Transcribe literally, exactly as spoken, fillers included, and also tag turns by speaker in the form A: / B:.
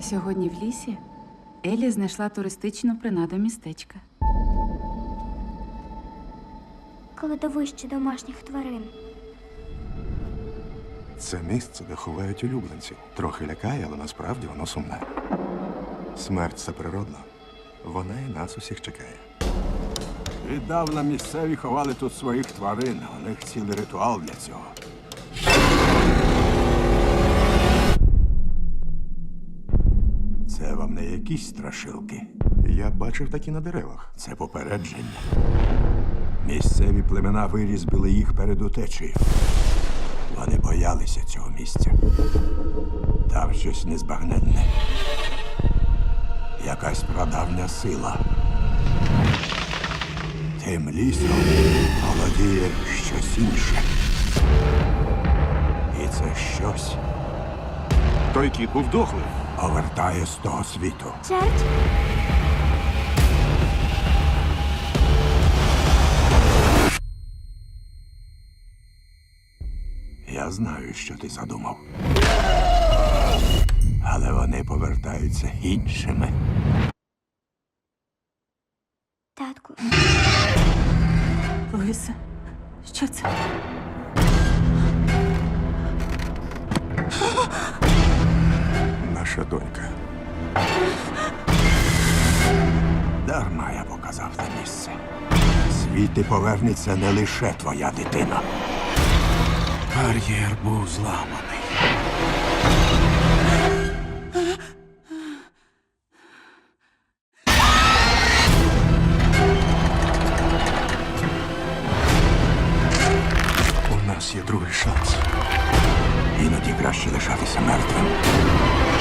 A: Сьогодні в лісі Елі знайшла туристичну принаду містечка.
B: Кладовище домашніх тварин.
C: Це місце, де ховають улюбленців. Трохи лякає, але насправді воно сумне. Смерть – це природно. Вона і нас усіх чекає.
D: Віддавна місцеві ховали тут своїх тварин. У них цілий ритуал для цього. Це вам не якісь страшилки.
C: Я бачив такі на деревах.
D: Це попередження. Місцеві племена вирізбили їх перед утечею. Вони боялися цього місця. Там щось незбагненне. Якась прадавня сила. Тим лісом володіє щось інше. І це щось
C: Той кіт був дохлий.
D: повертає з того світу.
B: Черть?
D: Я знаю, що ти задумав. Але вони повертаються іншими.
B: Татку.
A: Луїса, що це?
C: Наша донька.
D: Дарма я показав те місце. Звідти повернеться не лише твоя дитина.
C: Бар'єр був зламаний. У нас є другий шанс.
D: Іноді краще лишатися мертвим,